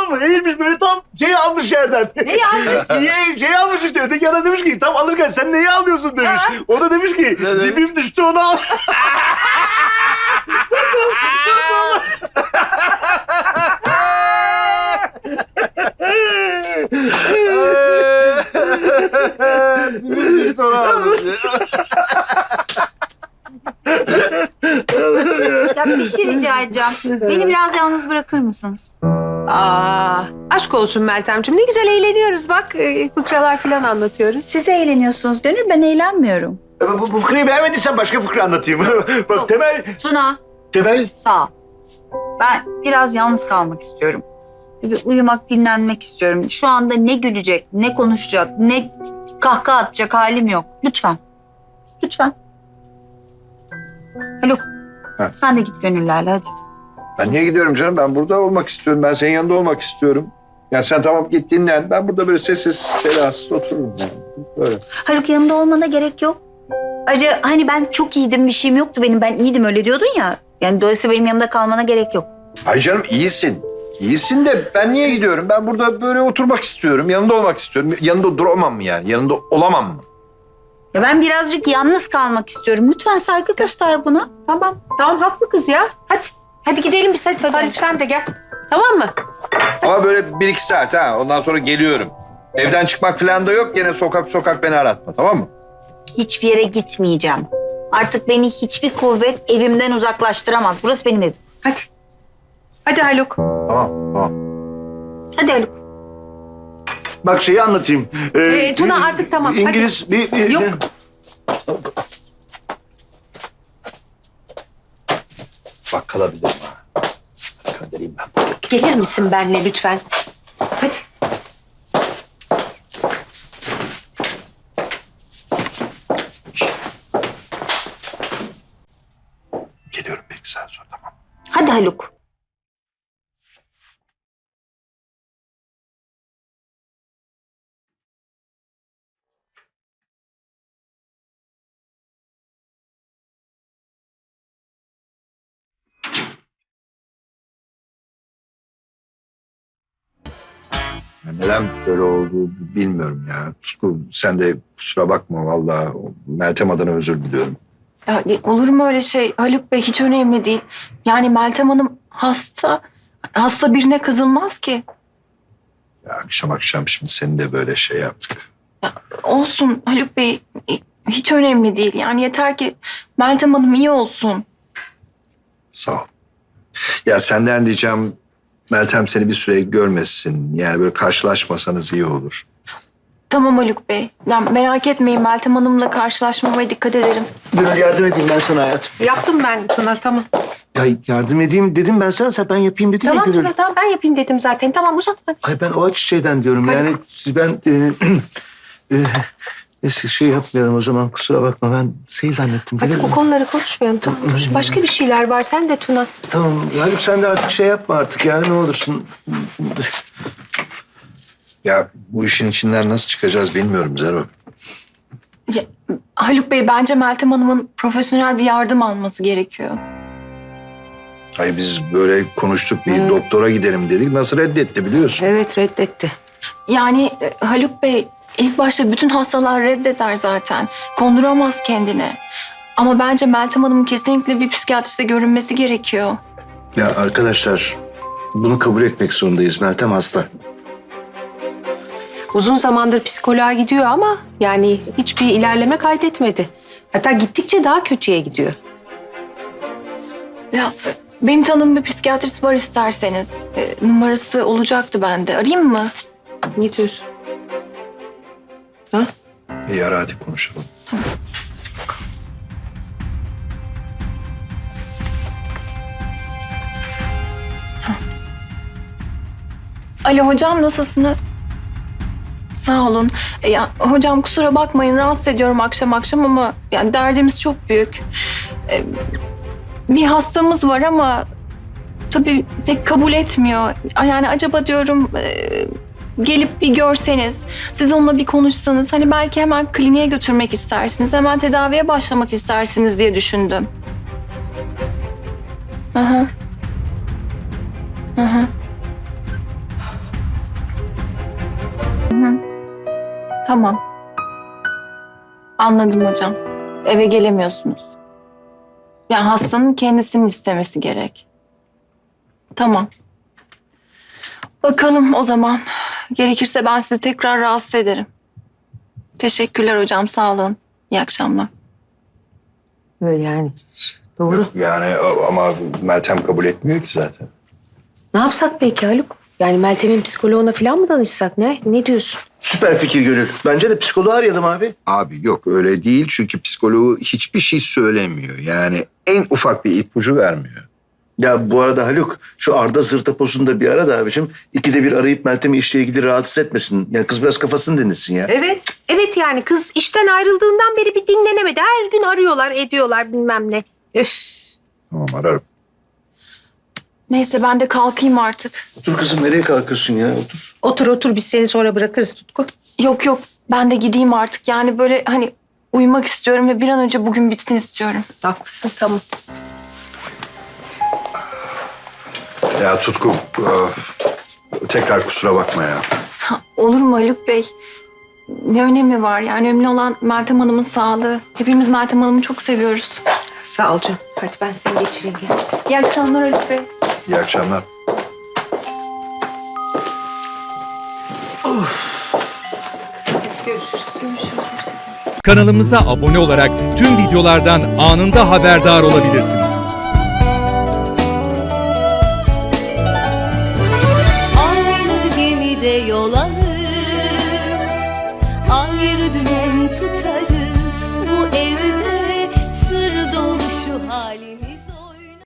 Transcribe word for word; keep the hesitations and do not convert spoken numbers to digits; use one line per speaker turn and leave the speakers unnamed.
tamam mı? Eğilmiş böyle tam şeyi almış yerden.
Neyi almış?
Niye şeyi almış işte. Öteki yana demiş ki tam alırken sen neyi alıyorsun demiş.
Ha?
O da demiş ki
Ne demiş?
dibim düştü onu al.
Dibimiz işte onu almış.
Ya bir şey rica edeceğim. Beni biraz yalnız bırakır mısınız?
Aa, aşk olsun Meltemciğim. Ne güzel eğleniyoruz bak. e, Fıkralar falan anlatıyoruz.
Siz eğleniyorsunuz Gönül, ben eğlenmiyorum.
bu, bu fıkrayı beğenmediysen başka fıkra anlatayım. Bak
Yok.
Temel,
Tuna,
Temel.
sağ ol. Ben biraz yalnız kalmak istiyorum. Bir uyumak, dinlenmek istiyorum. Şu anda ne gülecek, ne konuşacak, ne kahkaha atacak halim yok. Lütfen. Lütfen. Haluk,
Ha.
sen de git Gönüllerle hadi.
Ben niye gidiyorum canım? Ben burada olmak istiyorum. Ben senin yanında olmak istiyorum. Yani sen tamam git dinlen. Ben burada böyle sessiz sedasız otururum yani. Böyle.
Haluk yanımda olmana gerek yok. Ayrıca hani ben çok iyiydim, bir şeyim yoktu benim. Ben iyiydim öyle diyordun ya. Yani dolayısıyla benim yanımda kalmana gerek yok.
Ay canım iyisin. İyisin de ben niye gidiyorum? Ben burada böyle oturmak istiyorum. Yanında olmak istiyorum. Yanında duramam mı yani? Yanında olamam mı?
Ya ben birazcık yalnız kalmak istiyorum. Lütfen saygı göster buna.
Tamam. Tamam haklı kız ya. Hadi. Hadi gidelim biz hadi. Haluk sen de gel. Tamam mı?
Ama böyle bir iki saat ha. Ondan sonra geliyorum. Evden çıkmak falan da yok. Gene sokak sokak beni aratma, tamam mı?
Hiçbir yere gitmeyeceğim. Artık beni hiçbir kuvvet evimden uzaklaştıramaz. Burası benim evim.
Hadi. Hadi Haluk.
Tamam, tamam.
Hadi Haluk.
Bak şeyi anlatayım. Ee,
Ee, Tuna artık tamam, hadi.
İngiliz bir, bir...
Yok.
Bak kalabilirim ha. Göndereyim ben bunu.
Gelir misin benimle lütfen? Hadi.
Geliyorum bir iki saat sonra, tamam.
Hadi Haluk.
Neden böyle oldu bilmiyorum ya. Tutku, sen de kusura bakma vallahi. Meltem adına özür diliyorum.
Ya, olur mu öyle şey Haluk Bey, hiç önemli değil. Yani Meltem Hanım hasta. Hasta birine kızılmaz ki.
Ya akşam akşam şimdi seni de böyle şey yaptık.
Olsun Haluk Bey, hiç önemli değil. Yani yeter ki Meltem Hanım iyi olsun.
Sağ ol. Ya senden ricam Meltem seni bir süre görmesin. Yani böyle karşılaşmasanız iyi olur.
Tamam Haluk Bey. Ya merak etmeyin, Meltem Hanım'la karşılaşmamaya dikkat ederim.
Gönül yardım edeyim ben sana hayatım.
Yaptım ben Tuna tamam.
Ya yardım edeyim dedim ben sana. Sen ben yapayım dedin
Tamam
ya Gönül.
Tuna tamam ben yapayım dedim zaten. Tamam uzatma.
Ay ben o açı şeyden diyorum
Hadi.
yani ben e, e, neyse şey yapmayalım o zaman kusura bakma ben şey zannettim.
Hadi
Gönül.
bu konuları konuşmayalım tamam mı? Başka bir şeyler var sen de Tuna.
Tamam Haluk sen de artık şey yapma artık ya ne olursun.
Ya bu işin içinden nasıl çıkacağız bilmiyorum Zero.
Ya, Haluk Bey, bence Meltem Hanım'ın profesyonel bir yardım alması gerekiyor.
Hayır biz böyle konuştuk bir doktora gidelim dedik. Nasıl reddetti biliyorsun.
Evet reddetti.
Yani e, Haluk Bey, ilk başta bütün hastalar reddeder zaten. Konduramaz kendine. Ama bence Meltem Hanım'ın kesinlikle bir psikiyatriste görünmesi gerekiyor.
Ya arkadaşlar bunu kabul etmek zorundayız Meltem hasta.
Uzun zamandır psikoloğa gidiyor ama yani hiçbir ilerleme kaydetmedi. Hatta gittikçe daha kötüye gidiyor.
Ya e, benim tanıdığım bir psikiyatrist var isterseniz. E, numarası olacaktı bende. Arayayım mı?
Ne diyorsun?
İyi ara hadi konuşalım.
Alo hocam, nasılsınız? Sağ olun. E, ya, hocam kusura bakmayın, rahatsız ediyorum akşam akşam ama yani derdimiz çok büyük. E, bir hastamız var ama tabii pek kabul etmiyor. Yani acaba diyorum e, gelip bir görseniz, siz onunla bir konuşsanız, hani belki hemen kliniğe götürmek istersiniz, hemen tedaviye başlamak istersiniz diye düşündüm. Hı hı. Hı hı. Tamam. Anladım hocam. Eve gelemiyorsunuz. Yani hastanın kendisinin istemesi gerek. Tamam. Bakalım o zaman. Gerekirse ben sizi tekrar rahatsız ederim. Teşekkürler hocam, sağ olun. İyi akşamlar.
Böyle yani. Doğru.
Yani ama Meltem kabul etmiyor ki zaten.
Ne yapsak peki Haluk? Yani Meltem'in psikoloğuna falan mı danışsak? Ne? Ne diyorsun?
Süper fikir Gönül. Bence de psikoloğu arayalım abi.
Abi yok öyle değil çünkü psikoloğu hiçbir şey söylemiyor. Yani en ufak bir ipucu vermiyor.
Ya bu arada Haluk, şu Arda zırtaposunu da bir ara da abicim. İkide bir arayıp Meltem'i işle ilgili rahatsız etmesin. Yani kız biraz kafasını dinlesin ya.
Evet. Evet yani kız işten ayrıldığından beri bir dinlenemedi. Her gün arıyorlar, ediyorlar bilmem ne. Öf.
Tamam ararım.
Neyse ben de kalkayım artık.
Otur kızım, nereye kalkıyorsun ya? Otur.
Otur otur biz seni sonra bırakırız Tutku.
Yok yok, ben de gideyim artık. Yani böyle hani uyumak istiyorum ve bir an önce bugün bitsin istiyorum.
Haklısın tamam.
Ya Tutku e, tekrar kusura bakma ya.
Ha, olur mu Haluk Bey? Ne önemi var? Yani önemli olan Meltem Hanım'ın sağlığı. Hepimiz Meltem Hanım'ı çok seviyoruz.
Sağ ol canım. Hadi ben seni geçireyim. Gel.
İyi akşamlar Haluk Bey.
İyi akşamlar.
Görüşürüz.
Görüşürüz.
Kanalımıza abone olarak tüm videolardan anında haberdar olabilirsiniz.
Aynı gemide yol alır, ayrı dümen tutarız.